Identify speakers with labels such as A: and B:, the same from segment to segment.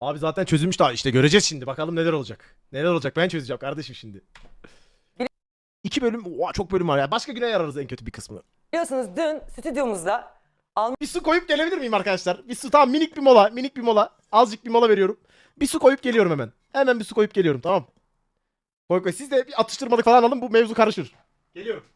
A: Abi zaten çözülmüş daha işte göreceğiz şimdi. Bakalım neler olacak. Neler olacak ben çözeceğim kardeşim şimdi. 2 bölüm, oha, çok bölüm var ya. Başka güne yararız en kötü bir kısmını.
B: Biliyorsunuz dün stüdyomuzda
A: Bir su koyup gelebilir miyim arkadaşlar? Bir su, tamam, minik bir mola, minik bir mola. Azıcık bir mola veriyorum. Bir su koyup geliyorum hemen. Hemen bir su koyup geliyorum, tamam. Koy koy. Siz de bir atıştırmalık falan alın, bu mevzu karışır. Geliyorum.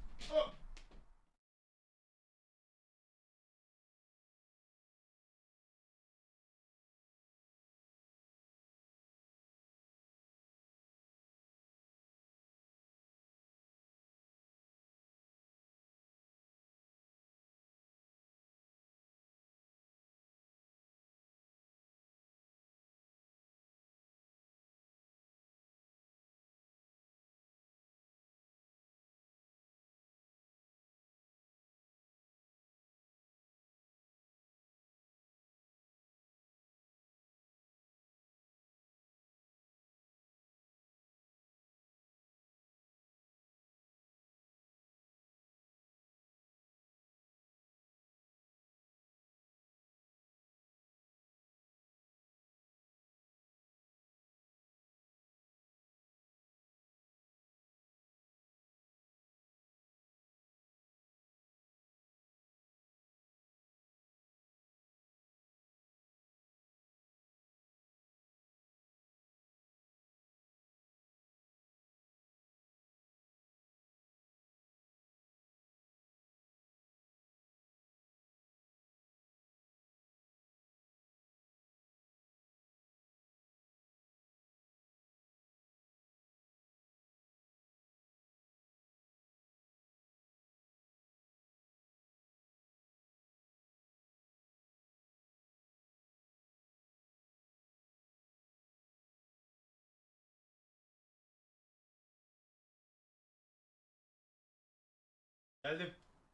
A: Geldim.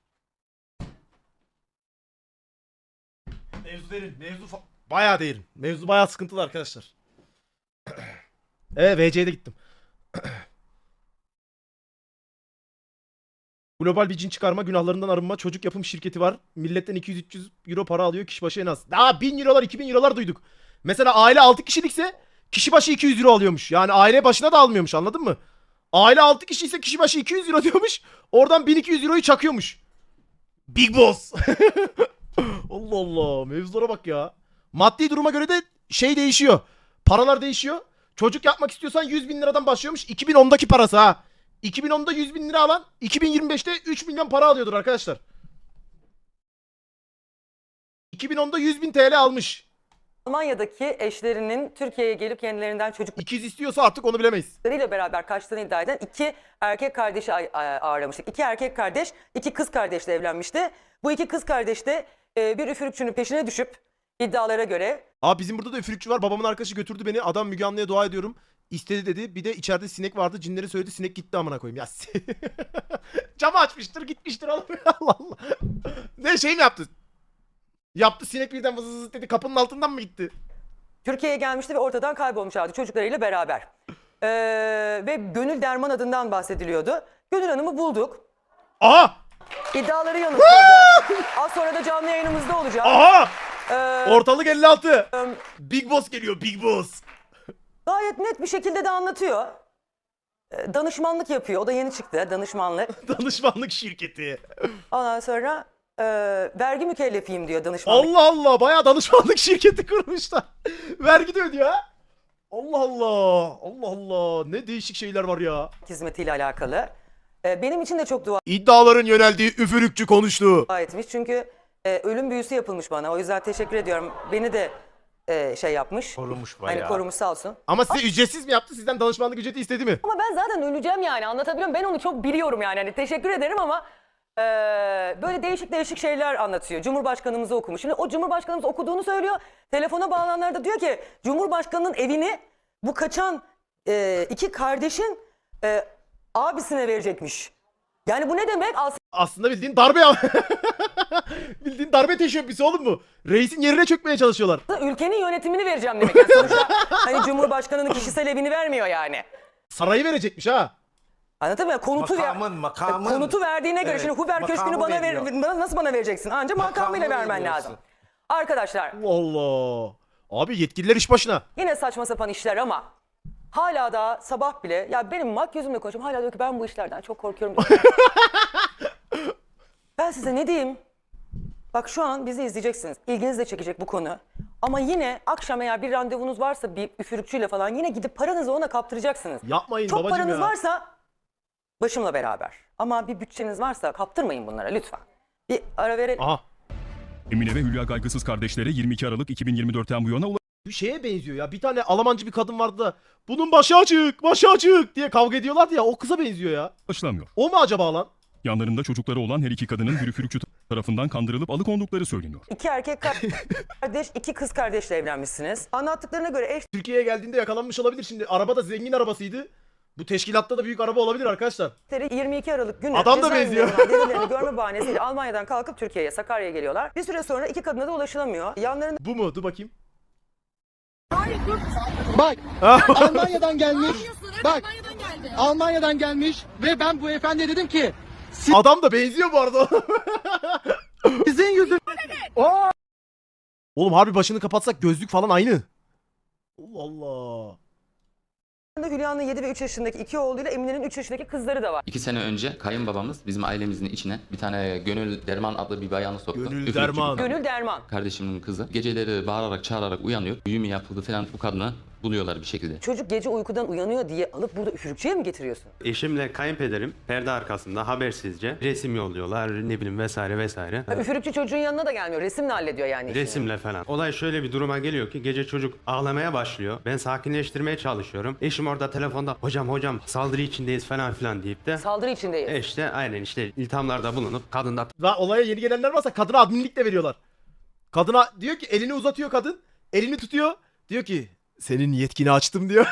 A: Mevzu derin. Bayağı derin. Mevzu bayağı sıkıntılı arkadaşlar. VC'ye de gittim. Global bir cin çıkarma, günahlarından arınma, çocuk yapım şirketi var. Milletten 200-300 euro para alıyor kişi başı en az. Daha 1000 eurolar, 2000 eurolar duyduk. Mesela aile 6 kişilikse kişi başı 200 euro alıyormuş. Yani aile başına da almıyormuş, anladın mı? Aile 6 kişi ise kişi başı 200 euro diyormuş. Oradan 1200 euroyu çakıyormuş. Big Boss. Allah Allah, mevzulara bak ya. Maddi duruma göre de şey değişiyor. Paralar değişiyor. Çocuk yapmak istiyorsan 100 bin liradan başlıyormuş. 2010'daki parası ha. 2010'da 100 bin lira alan 2025'te 3 milyon para alıyordur arkadaşlar. 2010'da 100 bin TL almış.
B: Almanya'daki eşlerinin Türkiye'ye gelip kendilerinden
A: İkiz istiyorsa artık onu bilemeyiz.
B: çocuklarıyla beraber kaçtığını iddia eden iki erkek kardeşi ağırlamıştık. İki erkek kardeş, iki kız kardeşle evlenmişti. Bu iki kız kardeş de bir üfürükçünün peşine düşüp iddialara göre
A: Abi bizim burada da üfürükçü var. Babamın arkadaşı götürdü beni. Adam Müge Anlı'ya dua ediyorum. İstedi dedi. Bir de içeride sinek vardı. Cinleri söyledi. Sinek gitti amına koyayım. Ya camı açmıştır gitmiştir oğlum. Allah Allah. Ne şey mi yaptı? Yaptı, sinek birden vız vız dedi. Kapının altından mı gitti?
B: Türkiye'ye gelmişti ve ortadan kaybolmuşlardı çocuklarıyla beraber. Ve Gönül Derman adından bahsediliyordu. Gönül Hanım'ı bulduk.
A: Aha!
B: İddiaları yanıtladı. Az sonra da canlı yayınımızda olacak.
A: Aha!
B: Ee,
A: Ortalık 56. Big Boss geliyor, Big Boss.
B: Gayet net bir şekilde de anlatıyor. Danışmanlık yapıyor. O da yeni çıktı, danışmanlık.
A: Danışmanlık şirketi.
B: Ondan sonra vergi mükellefiyim diyor danışmanlık.
A: Allah Allah, bayağı danışmanlık şirketi kurmuşlar. Vergi de ödüyor ha. Allah Allah. Allah Allah. Ne değişik şeyler var ya.
B: Hizmetiyle alakalı. Benim için de çok dua
A: İddiaların yöneldiği üfürükçü konuştu.
B: etmiş. Çünkü ölüm büyüsü yapılmış bana. O yüzden teşekkür ediyorum. Beni de şey yapmış.
C: Korumuş
B: Hani
C: bayağı.
B: korumuş sağ olsun.
A: Ama size ücretsiz mi yaptı? Sizden danışmanlık ücreti istedi mi?
B: Ama ben zaten öleceğim yani, anlatabiliyor muyum? Ben onu çok biliyorum yani. Hani teşekkür ederim ama böyle değişik değişik şeyler anlatıyor. Cumhurbaşkanımızı okumuş. Şimdi o Cumhurbaşkanımız okuduğunu söylüyor. Telefona bağlananlar da diyor ki Cumhurbaşkanının evini bu kaçan iki kardeşin abisine verecekmiş. Yani bu ne demek?
A: Aslında bildiğin darbe ya. Bildiğin darbe teşebbüsü oğlum bu. Reisin yerine çökmeye çalışıyorlar.
B: Aslında ülkenin yönetimini vereceğim demek. Yani sonuçta hani Cumhurbaşkanının kişisel evini vermiyor yani.
A: Sarayı verecekmiş ha.
B: Anlatabiliyor muyum?
C: Makamın.
B: Konutu verdiğine göre
C: Evet,
B: şimdi Huber Köşkü'nü
C: makamı
B: bana
C: veriyor.
B: nasıl bana vereceksin? Ancak makamıyla
C: Makamı
B: vermen
C: veriyorsun.
B: lazım. Arkadaşlar
A: Allah Allah. Abi yetkililer iş başına.
B: Yine saçma sapan işler ama hala da sabah bile ya benim makyözümle konuşuyorum. Hala diyor ki ben bu işlerden çok korkuyorum. Ben size ne diyeyim? Bak şu an bizi izleyeceksiniz. İlginiz de çekecek bu konu. Ama yine akşam eğer bir randevunuz varsa bir üfürükçüyle falan yine gidip paranızı ona kaptıracaksınız.
A: Yapmayın
B: Çok
A: babacım
B: paranız
A: ya.
B: varsa başımla beraber. Ama bir bütçeniz varsa kaptırmayın bunlara lütfen. Bir ara verelim.
A: Aha.
C: Emine ve Hülya Kaygısız kardeşleri 22 Aralık 2024'ten bu yana
A: Bir şeye benziyor ya. Bir tane Almancı bir kadın vardı da bunun başı açık diye kavga ediyorlardı ya. O kıza benziyor ya.
C: ulaşılamıyor.
A: O mu acaba lan?
C: Yanlarında çocukları olan her iki kadının bir üfürükçü tarafından kandırılıp alıkondukları söyleniyor.
B: 2 erkek kardeş, 2 kız kardeşle evlenmişsiniz. Anlattıklarına göre eş
A: Türkiye'ye geldiğinde yakalanmış olabilir şimdi. Araba da zengin arabasıydı. Bu teşkilatta da büyük araba olabilir arkadaşlar.
B: 22 Aralık günü
A: Adam da
B: cezaevinde
A: benziyor.
B: olan delillerini görme bahanesiyle Almanya'dan kalkıp Türkiye'ye, Sakarya'ya geliyorlar. Bir süre sonra iki kadına da ulaşılamıyor. Yanlarında
A: Bu mu? Dur bakayım.
D: Bak
A: Ah.
D: Almanya'dan gelmiş. Bak
E: Almanya'dan geldi.
D: Almanya'dan gelmiş ve ben bu efendiye dedim ki
A: Adam da benziyor bu arada.
D: sizin yüzünüzden
A: Oğlum harbi başını kapatsak gözlük falan aynı. Allah Allah.
B: Hülya'nın 7 ve 3 yaşındaki iki oğluyla Emine'nin 3 yaşındaki kızları da var.
F: 2 sene önce kayınbabamız bizim ailemizin içine bir tane Gönül Derman adlı bir bayanı soktu.
A: Gönül
F: Üfürükçü
A: Derman.
B: Gönül Derman.
F: kardeşimin kızı. Geceleri bağırarak çağırarak uyanıyor. Büyü mü yapıldı falan bu kadını buluyorlar bir şekilde.
B: Çocuk gece uykudan uyanıyor diye alıp burada üfürükçüye mi getiriyorsun?
G: Eşimle kayınpederim perde arkasında habersizce resim yolluyorlar ne bileyim vesaire vesaire.
B: Üfürükçü çocuğun yanına da gelmiyor. Resimle hallediyor yani işini.
G: Resimle falan. Olay şöyle bir duruma geliyor ki gece çocuk ağlamaya başlıyor. Ben sakinleştirmeye çalışıyorum. Eşim orada telefonda hocam saldırı içindeyiz falan filan deyip de
B: Saldırı içindeyiz.
G: işte aynen işte iltihamlarda bulunup kadın da
A: Daha olaya yeni gelenler varsa kadına adminlik de veriyorlar. Kadına diyor ki elini uzatıyor kadın. Elini tutuyor. Diyor ki senin yetkini açtım diyor.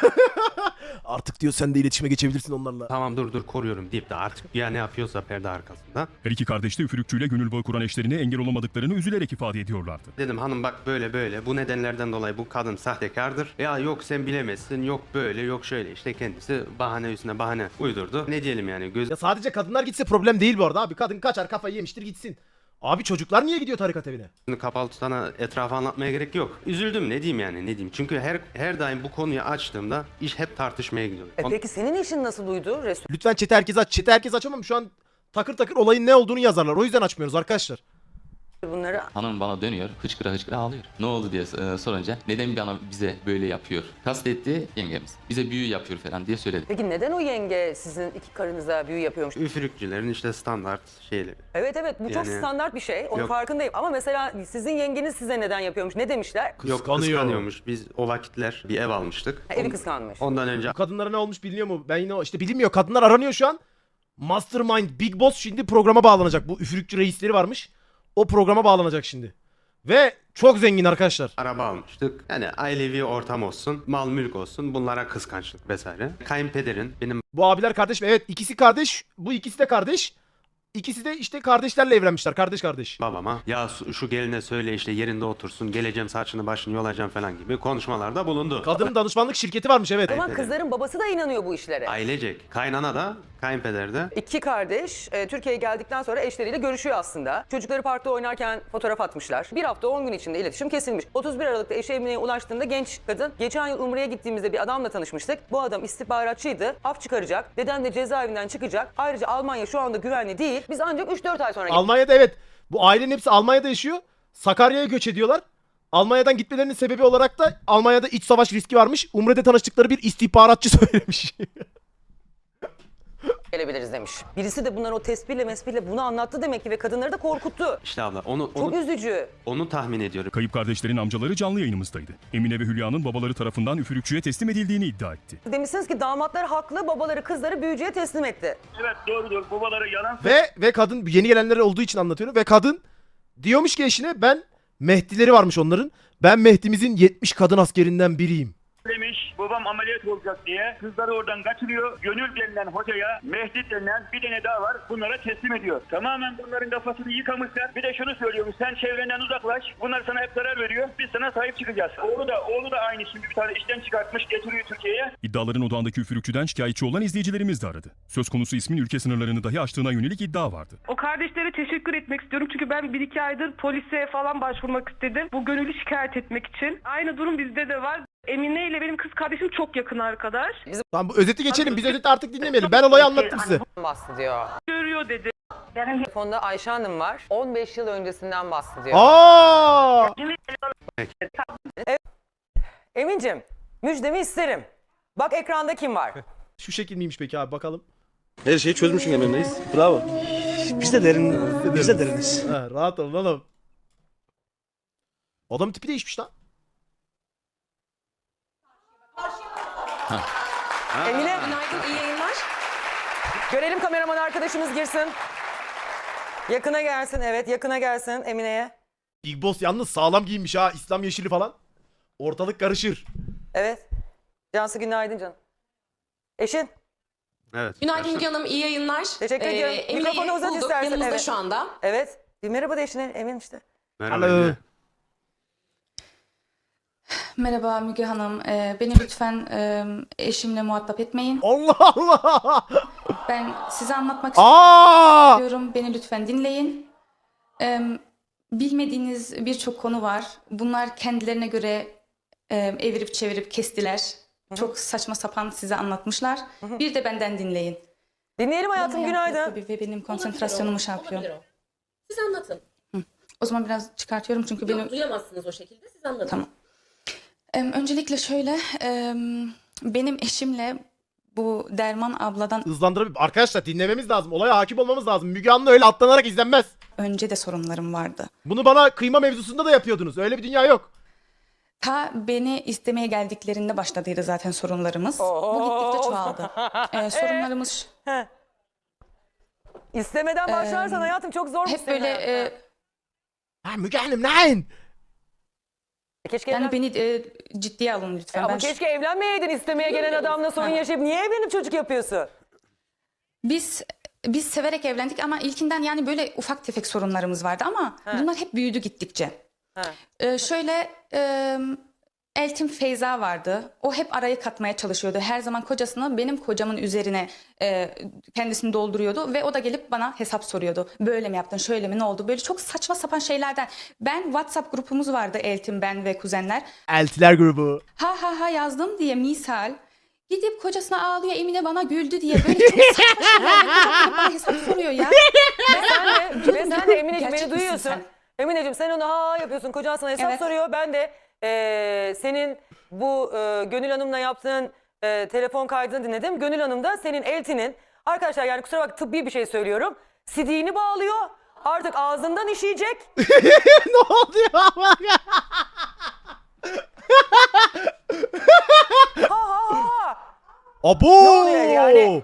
A: Artık diyor sen de iletişime geçebilirsin onlarla.
G: tamam dur koruyorum deyip de artık ya ne yapıyorsa perde arkasında.
C: Her iki kardeş de üfürükçüyle gönül bağı kuran eşlerine engel olamadıklarını üzülerek ifade ediyorlardı.
G: Dedim hanım bak böyle bu nedenlerden dolayı bu kadın sahtekardır. Ya yok sen bilemezsin yok böyle yok şöyle işte kendisi bahane üstüne bahane uydurdu. Ne diyelim yani
A: Ya sadece kadınlar gitse problem değil bu arada abi. Kadın kaçar kafayı yemiştir gitsin. Abi çocuklar niye gidiyor tarikat evine?
G: gözünü kapalı tutana etrafı anlatmaya gerek yok. Üzüldüm ne diyeyim yani ne diyeyim. Çünkü her daim bu konuyu açtığımda iş hep tartışmaya gidiyor.
B: Peki senin eşin nasıl duydu?
A: Lütfen chat'i herkes aç. Chat'i herkes açamam. Şu an takır takır olayın ne olduğunu yazarlar. O yüzden açmıyoruz arkadaşlar.
B: Bunları
F: Hanım bana dönüyor, hıçkıra hıçkıra ağlıyor. Ne oldu diye sorunca neden bize böyle yapıyor? Kastetti yengemiz. Bize büyü yapıyor falan diye söyledi.
B: Peki neden o yenge sizin iki karınıza büyü yapıyormuş?
G: Üfürükçülerin işte standart şeyleri.
B: Evet bu çok
G: Yani-
B: standart bir şey. Onun
G: Yok.
B: farkındayım. Ama mesela sizin yengeniz size neden yapıyormuş? Ne demişler?
G: Yok
A: Kıskanıyor.
G: kıskanıyormuş. Biz o vakitler bir ev almıştık.
B: Evi kıskanmış.
G: Ondan önce
A: Bu kadınlara ne olmuş biliniyor mu? Ben yine işte bilinmiyor. Kadınlar aranıyor şu an. Mastermind Big Boss şimdi programa bağlanacak. Bu üfürükçü reisleri varmış. O programa bağlanacak şimdi. Ve çok zengin arkadaşlar.
G: araba almıştık. Yani ailevi ortam olsun, mal mülk olsun bunlara kıskançlık vesaire. Kayınpederin benim
A: Bu abiler kardeş mi? Evet ikisi kardeş. Bu ikisi de kardeş. İkisi de işte kardeşlerle evlenmişler. Kardeş.
G: babama ya şu geline söyle işte yerinde otursun geleceğim saçını başını yolacağım falan gibi konuşmalarda bulundu.
A: Kadının danışmanlık şirketi varmış evet.
B: O zaman
G: Kayınpeder.
B: kızların babası da inanıyor bu işlere.
G: Ailecek. Kaynana da kayınpeder de.
B: İki kardeş Türkiye'ye geldikten sonra eşleriyle görüşüyor aslında. Çocukları parkta oynarken fotoğraf atmışlar. Bir hafta 10 gün içinde iletişim kesilmiş. 31 Aralık'ta eşi Emine'ye ulaştığında genç kadın, geçen yıl Umre'ye gittiğimizde bir adamla tanışmıştık. Bu adam istihbaratçıydı. Af çıkaracak. Deden de cezaevinden çıkacak. Ayrıca Almanya şu anda güvenli değil. Biz ancak 3-4 ay sonra
A: Almanya'da evet. Bu ailenin hepsi Almanya'da yaşıyor. Sakarya'ya göç ediyorlar. Almanya'dan gitmelerinin sebebi olarak da Almanya'da iç savaş riski varmış. Umre'de tanıştıkları bir istihbaratçı söylemiş.
B: gelebiliriz demiş. Birisi de bunların o tespihle mespihle bunu anlattı demek ki ve kadınları da korkuttu.
G: İşte abla onu
B: Çok üzücü.
G: onu tahmin ediyorum.
C: Kayıp kardeşlerin amcaları canlı yayınımızdaydı. Emine ve Hülya'nın babaları tarafından üfürükçüye teslim edildiğini iddia etti.
B: Demişsiniz ki damatlar haklı, babaları kızları büyücüye teslim etti.
E: Evet doğrudur. Babaları yalan
A: ve kadın yeni gelenler olduğu için anlatıyorum. Ve kadın diyormuş ki eşine ben Mehdileri varmış onların. Ben Mehdi'mizin 70 kadın askerinden biriyim.
E: söylemiş. babam ameliyat olacak diye kızları oradan kaçırıyor. Gönül denilen hocaya, Mehdi denilen bir tane daha var. Bunlara teslim ediyor. Tamamen bunların kafasını yıkamışlar. Bir de şunu söylüyormuş. Sen çevrenden uzaklaş. Bunlar sana hep zarar veriyor. Biz sana sahip çıkacağız. Oğlu da aynı, şimdi bir tane işten çıkartmış, getiriyor Türkiye'ye.
C: İddiaların odağındaki üfürükçüden şikayetçi olan izleyicilerimiz de aradı. Söz konusu ismin ülke sınırlarını dahi aştığına yönelik iddia vardı.
H: O kardeşlere teşekkür etmek istiyorum çünkü ben 1-2 aydır polise falan başvurmak istedim. Bu gönüllü şikayet etmek için. Aynı durum bizde de var. Emine ile benim kız kardeşim çok yakın arkadaş.
A: Tamam bu özeti geçelim. Biz özeti artık dinlemeyelim. Ben olayı anlattım size.
B: Bahsediyor.
H: Görüyor dedi.
B: Telefonda Ayşe Hanım var. 15 yıl öncesinden bahsediyor.
A: Aa!
B: Emin'cim müjdemi isterim. Bak ekranda kim var?
A: Şu şekil miymiş peki abi bakalım.
I: Her şeyi çözmüşsün emrindeyiz. Bravo. Biz de deriniz.
A: Ha, rahat olun oğlum. Adam tipi değişmiş lan.
B: Emine. Günaydın, iyi yayınlar. Görelim kameraman arkadaşımız girsin. Yakına gelsin, evet yakına gelsin Emine'ye.
A: Big Boss yalnız sağlam giyinmiş ha. İslam yeşili falan. Ortalık karışır.
B: Evet. Cansu günaydın canım. Eşin.
G: Evet.
J: Günaydın Müge Hanım, iyi yayınlar.
B: Teşekkür ediyorum.
J: Emine'yi
B: Mikrofonu uzat
J: bulduk,
B: istersen,
J: yanımızda
B: evet.
J: şu anda.
B: Evet. Bir merhaba de eşine, Emin işte.
G: Merhaba.
A: Alo.
G: Emine.
J: Merhaba Müge Hanım, beni lütfen eşimle muhatap etmeyin.
A: Allah Allah.
J: Ben size anlatmak
A: Aa!
J: istiyorum, beni lütfen dinleyin. Bilmediğiniz birçok konu var. Bunlar kendilerine göre evirip çevirip kestiler. Çok saçma sapan size anlatmışlar. Bir de benden dinleyin.
B: Dinleyelim hayatım,
J: Bana
B: günaydın.
J: yapıyor Ve benim konsantrasyonumu şey yapıyor.
K: Siz anlatın.
J: O zaman biraz çıkartıyorum çünkü benim...
K: Duyamazsınız o şekilde. Siz anlatın.
J: Tamam. Öncelikle şöyle, benim eşimle bu Derman abladan
A: Hızlandırabilir. Arkadaşlar dinlememiz lazım. Olaya hakim olmamız lazım. Müge Anlı öyle atlanarak izlenmez.
J: önce de sorunlarım vardı.
A: Bunu bana kıyma mevzusunda da yapıyordunuz. Öyle bir dünya yok.
J: Ta beni istemeye geldiklerinde başladıydı zaten sorunlarımız. Bu gittikçe çoğaldı. Sorunlarımız
B: İstemeden başlarsan hayatım çok zor.
J: hep böyle
A: Ha Müge Hanım nein?
B: Keşke
J: yani
B: evlen-
J: beni ciddiye alın lütfen.
B: Ama
J: Ben
B: keşke evlenmeyeydin, istemeye gelen adamla sorun yaşayıp niye evlenip çocuk yapıyorsun?
J: Biz severek evlendik ama ilkinden yani böyle ufak tefek sorunlarımız vardı ama bunlar hep büyüdü gittikçe. Şöyle Eltim Feyza vardı. O hep arayı katmaya çalışıyordu. Her zaman kocasını benim kocamın üzerine kendisini dolduruyordu ve o da gelip bana hesap soruyordu. Böyle mi yaptın, şöyle mi, ne oldu? Böyle çok saçma sapan şeylerden. Ben WhatsApp grupumuz vardı Eltim, ben ve kuzenler.
A: Eltiler grubu.
J: Ha yazdım diye misal gidip kocasına ağlıyor, Emine bana güldü diye böyle çok saçma şeyler. Kocam bana hesap soruyor ya.
B: Ve sen de Emineciğim
J: Gerçek
B: beni
J: misin
B: duyuyorsun.
J: sen?
B: Emineciğim sen onu ha yapıyorsun, kocan sana hesap
J: Evet.
B: soruyor. Ben de senin bu Gönül Hanım'la yaptığın telefon kaydını dinledim. Gönül Hanım da senin eltinin, arkadaşlar yani kusura bak tıbbi bir şey söylüyorum. CD'ni bağlıyor. Artık ağzından işeyecek.
A: Ne oluyor ama? Abo!
B: Ne oluyor yani?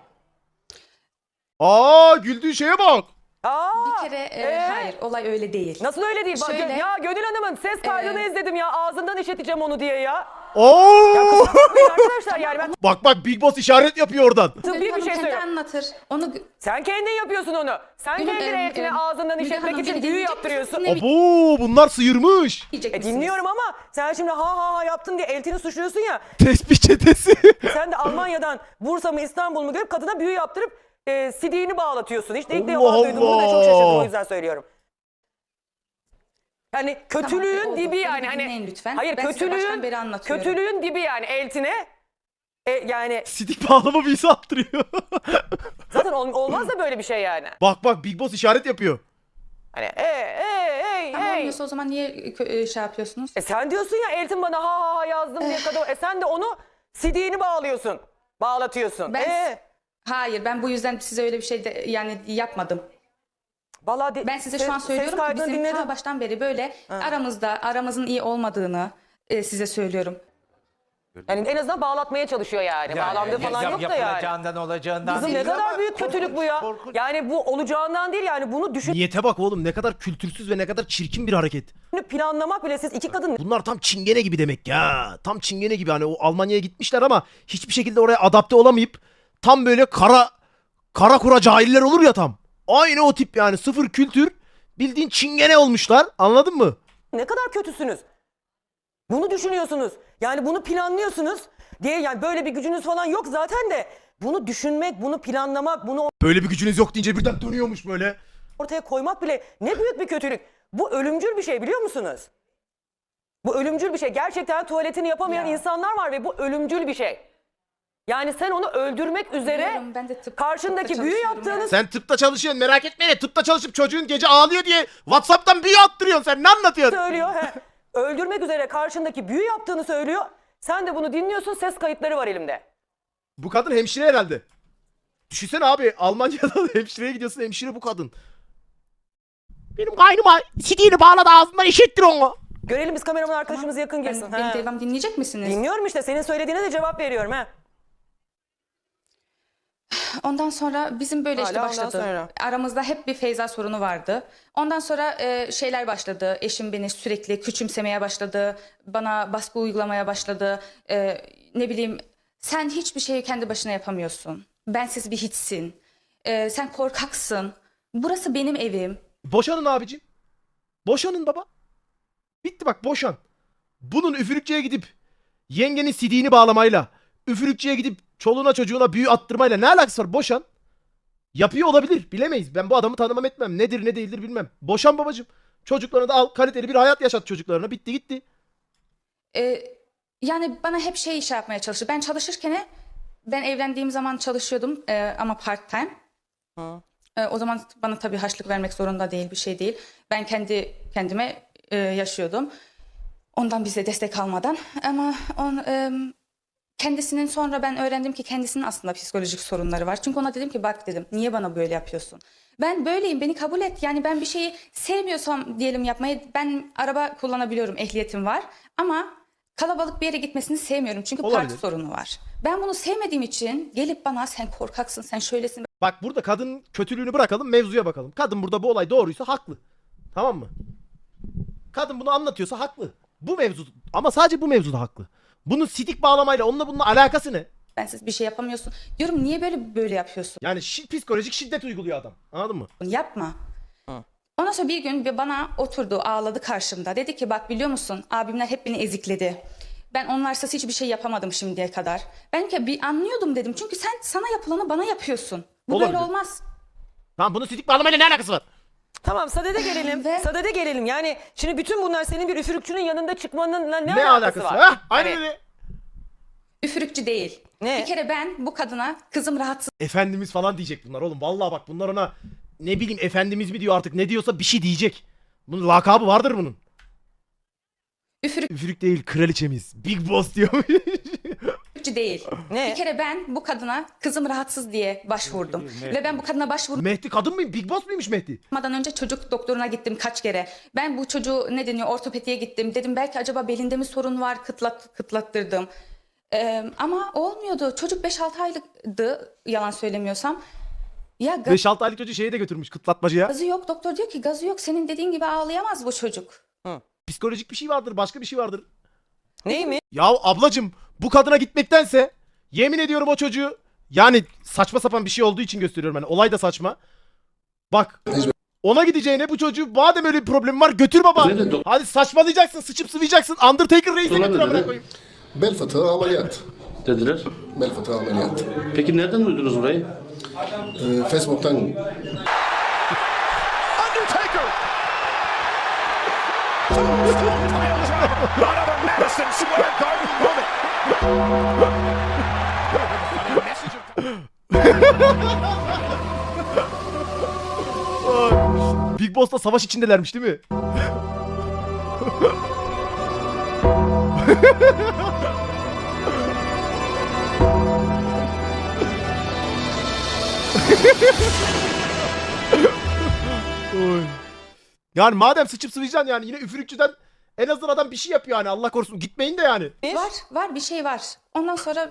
A: Aa güldüğü şeye bak.
J: Bir kere hayır, olay öyle değil.
B: Nasıl öyle değil? Bak,
J: Şöyle-
B: ya Gönül Hanım'ın ses kaydını izledim ya. Ağzından işleteceğim onu diye ya.
A: Oo!
B: Bakmayın arkadaşlar yani ben
A: Bak Big Boss işaret yapıyor oradan.
B: tıbbi
J: Müge
B: bir
J: Hanım
B: şey
J: kendi
B: söylüyorum.
J: anlatır. Onu
B: Sen kendin yapıyorsun onu. Sen
J: Gönül,
B: kendine eltine ağzından
J: Müge
B: işletmek
J: Hanım,
B: için
J: beni
B: büyü
J: dinleyecek
B: yaptırıyorsun.
J: misiniz?
A: Abo bunlar sıyırmış.
J: diyecek misiniz?
B: Dinliyorum ama sen şimdi ha yaptın diye eltini suçluyorsun ya.
A: Tespih çetesi.
B: Sen de Almanya'dan Bursa mı İstanbul mu görüp kadına büyü yaptırıp CD'ni bağlatıyorsun. İşte ilk defa
A: Allah
B: duydum. Bunu da çok
A: Allah.
B: şaşırdım, o yüzden söylüyorum. Yani kötülüğün
J: oldu.
B: dibi
J: Beni
B: yani.
J: bir
B: Hani
J: dinleyin lütfen.
B: Hayır,
J: Ben size baştan beri anlatıyorum.
B: kötülüğün dibi yani eltine. Yani
A: Sidik bağlama büyüsü attırıyor.
B: zaten olmaz da böyle bir şey yani.
A: Bak Big Boss işaret yapıyor.
B: Hani
J: Tamam olmuyorsa o zaman niye şey yapıyorsunuz?
B: sen diyorsun ya eltin bana ha yazdım diye kadın. Sen de onu CD'ni bağlıyorsun. Bağlatıyorsun.
J: Hayır, ben bu yüzden size öyle bir şey de, yani yapmadım.
B: Vallahi
J: Ben size şu an söylüyorum ki bizim ta baştan beri böyle aramızın iyi olmadığını size söylüyorum.
B: Yani en azından bağlatmaya çalışıyor yani. Bağlandığı falan yok da yani.
L: Yapılacağından olacağından
B: Kızım ne
L: değil
B: kadar
L: ama
B: büyük kötülük bu ya.
L: korkunç.
B: Yani bu olacağından değil yani bunu
A: Niyete bak oğlum, ne kadar kültürsüz ve ne kadar çirkin bir hareket.
B: düşünüp planlamak bile siz iki kadın
A: Bunlar tam çingene gibi demek ya. Tam çingene gibi, hani o Almanya'ya gitmişler ama hiçbir şekilde oraya adapte olamayıp tam böyle kara kura cahiller olur ya tam. Aynı o tip yani, sıfır kültür, bildiğin çingene olmuşlar, anladın mı?
B: ne kadar kötüsünüz. Bunu düşünüyorsunuz. Yani bunu planlıyorsunuz diye, yani böyle bir gücünüz falan yok zaten de bunu düşünmek, bunu planlamak, bunu
A: Böyle bir gücünüz yok deyince birden dönüyormuş böyle.
B: ortaya koymak bile ne büyük bir kötülük. Bu ölümcül bir şey, biliyor musunuz? Bu ölümcül bir şey. Gerçekten tuvaletini yapamayan insanlar var ve bu ölümcül bir şey. Yani sen onu öldürmek üzere
J: Biliyorum, ben de
B: karşındaki
J: tıpta
B: büyü
J: çalışıyorum
B: yaptığınız
A: Sen tıpta çalışıyorsun, merak etme. Tıpta çalışıp çocuğun gece ağlıyor diye WhatsApp'tan büyü attırıyorsun, sen ne anlatıyorsun?
B: söylüyor. Öldürmek üzere karşındaki büyü yaptığını söylüyor. Sen de bunu dinliyorsun, ses kayıtları var elimde.
A: Bu kadın hemşire herhalde. Düşünsene abi, Almanya'da hemşireye gidiyorsun, hemşire bu kadın. Benim kaynıma sidiğini bağladı, ağzından işittir onu.
B: Görelim, biz kameraman arkadaşımız yakın girsin.
J: Beni devam dinleyecek misiniz?
B: Dinliyorum işte, senin söylediğine de cevap veriyorum.
J: Ondan sonra bizim böyle işte
B: Hala ondan
J: başladı.
B: sonra.
J: Aramızda hep bir Feyza sorunu vardı. Ondan sonra şeyler başladı. Eşim beni sürekli küçümsemeye başladı. Bana baskı uygulamaya başladı. Ne bileyim, sen hiçbir şeyi kendi başına yapamıyorsun. Bensiz bir hiçsin. Sen korkaksın. Burası benim evim.
A: Boşanın abicim. Boşanın baba. Bitti bak, boşan. Bunun üfürükçüye gidip yengenin sidiğini bağlamayla, üfürükçüye gidip çoluğuna çocuğuna büyü attırmayla ne alakası var? Boşan. Yapıyor olabilir, bilemeyiz. Ben bu adamı tanımam etmem. Nedir ne değildir bilmem. Boşan babacım. Çocuklarına da al, kaliteli bir hayat yaşat çocuklarına. Bitti gitti.
J: Yani bana hep şey iş yapmaya çalıştı. Ben çalışırken, ben evlendiğim zaman çalışıyordum ama part time. O zaman bana tabii harçlık vermek zorunda değil, bir şey değil. Ben kendi kendime yaşıyordum. Ondan bize destek almadan. Ama kendisinin, sonra ben öğrendim ki kendisinin aslında psikolojik sorunları var. Çünkü ona dedim ki bak dedim, niye bana böyle yapıyorsun? Ben böyleyim, beni kabul et. Yani ben bir şeyi sevmiyorsam diyelim yapmayı, ben araba kullanabiliyorum, ehliyetim var. Ama kalabalık bir yere gitmesini sevmiyorum. Çünkü
A: Olabilir.
J: parti sorunu var. Ben bunu sevmediğim için gelip bana sen korkaksın, sen şöylesin.
A: Bak burada kadının kötülüğünü bırakalım, mevzuya bakalım. Kadın burada bu olay doğruysa haklı. Tamam mı? Kadın bunu anlatıyorsa haklı. Bu mevzu, ama sadece bu mevzuda haklı. Bunun sidik bağlamayla onunla bunun alakası ne?
J: Bensiz bir şey yapamıyorsun. Diyorum niye böyle yapıyorsun?
A: Yani psikolojik şiddet uyguluyor adam. Anladın mı?
J: Yapma. Ondan sonra bir gün bana oturdu, ağladı karşımda. Dedi ki bak biliyor musun, abimler hep beni ezikledi. Ben onlarsız hiçbir şey yapamadım şimdiye kadar. Ben ki bir anlıyordum dedim. Çünkü sen sana yapılanı bana yapıyorsun. Bu
A: Olabilir.
J: böyle olmaz.
A: Tamam, bunun sidik bağlamayla ne alakası var?
B: Tamam, sadede gelelim.
J: Ve-
B: Sadede gelelim. Yani şimdi bütün bunlar senin bir üfürükçünün yanında çıkmanınla ne
A: Ne alakası var?
B: var?
A: Ha? Aynen
B: Hani-
A: öyle.
J: Üfürükçü değil.
B: Ne?
J: Bir kere ben bu kadına kızım rahatsız
A: Efendimiz falan diyecek bunlar oğlum. Vallahi bak, bunlar ona ne bileyim efendimiz mi diyor artık, ne diyorsa bir şey diyecek. Bunun lakabı vardır bunun. Üfürük değil, kraliçemiz. Big Boss diyor.
J: üfürükçü değil.
B: Ne?
J: Bir kere ben bu kadına kızım rahatsız diye başvurdum. Ve ben bu kadına başvurmadan
A: Mehdi kadın mı? Big Boss muymuş Mehdi?
J: önce çocuk doktoruna gittim kaç kere. Ben bu çocuğu ne deniyor ortopediye gittim. Dedim belki acaba belinde mi sorun var, kıtlattırdım. Ama olmuyordu. Çocuk 5-6 aylıktı yalan söylemiyorsam. Ya
A: 5-6 aylık çocuğu şeye de götürmüş, kıtlatmacıya.
J: gazı yok. Doktor diyor ki gazı yok. Senin dediğin gibi ağlayamaz bu çocuk.
A: Psikolojik bir şey vardır, başka bir şey vardır.
B: Neymiş?
A: Ya ablacım, bu kadına gitmektense yemin ediyorum o çocuğu, yani saçma sapan bir şey olduğu için gösteriyorum, hani olay da saçma. Bak, ona gideceğine bu çocuğu, madem öyle bir problem var, götür baba. Hadi saçmalayacaksın, sıçıp sıvayacaksın, Undertaker Reis'e götür amına koyayım.
I: Bel fıtığı ameliyat.
L: Dediler.
I: Bel fıtığı ameliyat.
L: Peki nereden duydunuz burayı?
I: Facebook'tan.
A: Big Boss'la savaş içindelermiş değil mi? Oy. Yani madem sıçıp sıvayacaksın, yani yine üfürükçüden En azından adam bir şey yapıyor hani, Allah korusun gitmeyin de yani.
J: Var bir şey var. Ondan sonra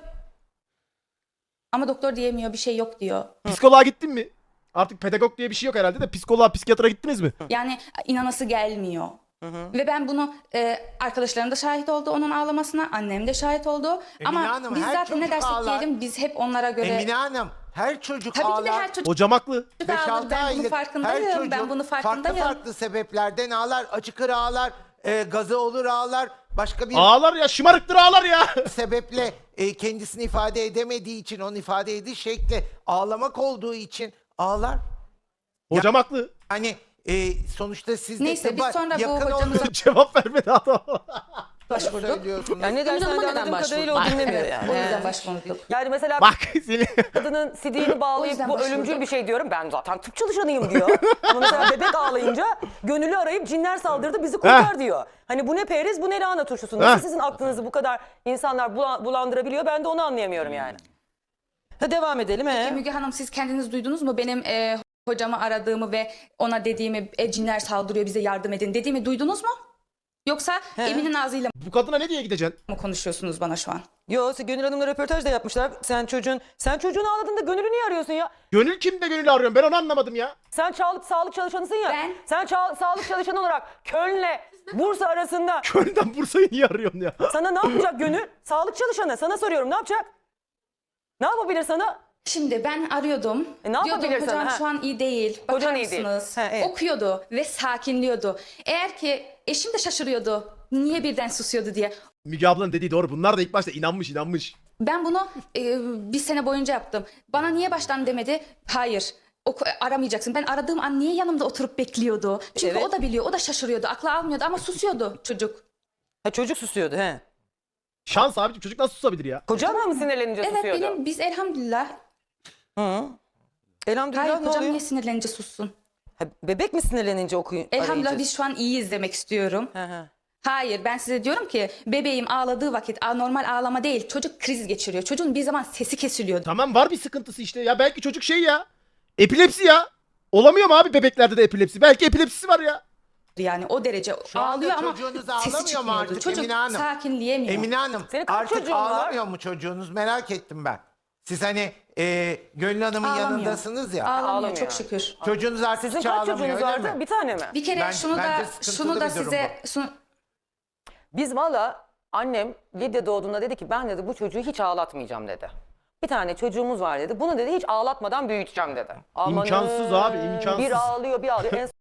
J: ama doktor diyemiyor, bir şey yok diyor.
A: Psikoloğa gittin mi? Artık pedagog diye bir şey yok herhalde de, psikoloğa, psikiyatra gittiniz mi?
J: Yani inanası gelmiyor. Ve ben bunu arkadaşlarım da şahit oldu onun ağlamasına, annem de şahit oldu. Ama
L: Hanım,
J: biz
L: her
J: zaten ne
L: çocuk
J: dersek
L: ağlar.
J: diyelim biz hep onlara göre...
L: Emine Hanım, her çocuk
J: Tabii
L: ağlar.
J: ki de her çocuk
A: Hocam haklı.
J: ağlar. Ben bunun farkındayım. Ben bunu farkındayım.
L: farklı sebeplerden ağlar. Açık ara ağlar, gazı olur ağlar. Başka bir
A: Ağlar ya, şımarıktır ağlar ya.
L: sebeple kendisini ifade edemediği için, onun ifade ediş şekli ağlamak olduğu için ağlar.
A: Hocam haklı.
L: Hani sonuçta siz de
J: Neyse biz
L: tıbba
J: sonra bu
L: yakın
J: hocamıza
A: Cevap vermedi adam.
J: başvurduk.
L: söylüyorsunuz.
B: Yani ne dersen de anladığım kadarıyla o dinlemiyor
J: Evet,
B: yani.
J: o yüzden başvurduk.
B: Yani mesela
A: Bak seni.
B: kadının sidiğini
J: O
B: bağlayıp
J: yüzden
B: bu
J: başvurduk.
B: ölümcül bir şey diyorum. Ben zaten tıp çalışanıyım diyor. Ama mesela bebek ağlayınca gönüllü arayıp cinler saldırdı bizi kurtar diyor. Hani bu ne periz bu ne lahana turşusu. Nasıl sizin aklınızı bu kadar insanlar bulandırabiliyor, ben de onu anlayamıyorum yani. Ha, devam edelim.
J: Müge Hanım siz kendiniz duydunuz mu benim hocamı aradığımı ve ona dediğimi cinler saldırıyor bize yardım edin dediğimi duydunuz mu? Yoksa Emin'in ağzıyla
A: Bu kadına ne diye gideceksin?
J: mı konuşuyorsunuz bana şu an?
B: Yo, Gönül Hanım'la röportaj da yapmışlar. Sen çocuğunu ağladığında Gönül'ü niye arıyorsun ya?
A: Gönül kimde Gönül'ü arıyorum, ben onu anlamadım ya.
B: Sen sağlık çalışanısın ya.
J: Ben-
B: Sen sağlık çalışanı olarak Köln'le Bursa arasında
A: Gönül'den Bursa'yı niye arıyorsun ya?
B: sana ne yapacak Gönül? Sağlık çalışanı. Sana soruyorum, ne yapacak? Ne yapabilir sana?
J: Şimdi ben arıyordum.
B: Ne
J: Diyordum
B: yapabilirsin,
J: hocam
B: ha?
J: şu an iyi değil. Bakar
B: Hocan iyi değil.
J: mısınız?
B: Ha, evet.
J: Okuyordu ve sakinliyordu. Eğer ki eşim de şaşırıyordu. Niye birden susuyordu diye.
A: Müge ablanın dediği doğru. Bunlar da ilk başta inanmış.
J: Ben bunu bir sene boyunca yaptım. Bana niye baştan demedi? Hayır. Aramayacaksın. Ben aradığım an niye yanımda oturup bekliyordu? Çünkü
B: Evet.
J: o da biliyor. O da şaşırıyordu. Aklı almıyordu ama susuyordu çocuk.
B: Ha, çocuk susuyordu he.
A: Şans abicim, çocuk nasıl susabilir ya?
B: Kocan mı sinirlenince
J: Evet
B: susuyordu?
J: biz elhamdülillah.
B: Hı. Elhamdülillah
J: Hayır
B: ne
J: hocam
B: oluyor?
J: niye sinirlenince sussun?
B: Ha, bebek mi sinirlenince
J: Elhamdülillah
B: arayınca?
J: biz şu an iyiyiz demek istiyorum.
B: Hı hı.
J: Hayır ben size diyorum ki bebeğim ağladığı vakit normal ağlama değil çocuk kriz geçiriyor. Çocuğun bir zaman sesi kesiliyor.
A: Tamam, var bir sıkıntısı işte ya. Belki çocuk şey ya. Epilepsi ya. Olamıyor mu abi bebeklerde de epilepsi? Belki epilepsisi var ya.
J: Yani o derece
L: Şu anda
J: ağlıyor ama
L: çocuğunuz
J: sesi
L: ağlamıyor mu
J: çıkmıyordu.
L: artık
J: Çocuk
L: Emine Hanım?
J: sakinleyemiyor.
L: Emine Hanım
B: Senin kaç
L: artık
B: çocuğun var?
L: ağlamıyor mu çocuğunuz, merak ettim ben. Siz hani Gönül Hanım'ın
J: Ağlamıyor.
L: yanındasınız ya.
J: Ağlamıyor
B: Ağlamıyor.
J: çok şükür.
L: Çocuğunuz artık
B: Sizin
L: hiç
B: kaç
L: ağlamıyor
B: çocuğunuz
L: öyle
B: vardı?
L: mi?
B: Bir tane mi?
J: Bir kere
L: Bence
J: şunu da
L: sıkıntılı bir durum
J: size
B: Biz valla annem Lidya doğduğunda dedi ki ben dedi bu çocuğu hiç ağlatmayacağım dedi. Bir tane çocuğumuz var dedi. Bunu dedi hiç ağlatmadan büyüteceğim dedi. Amanın,
A: İmkansız abi, imkansız.
B: Bir ağlıyor bir ağlıyor. En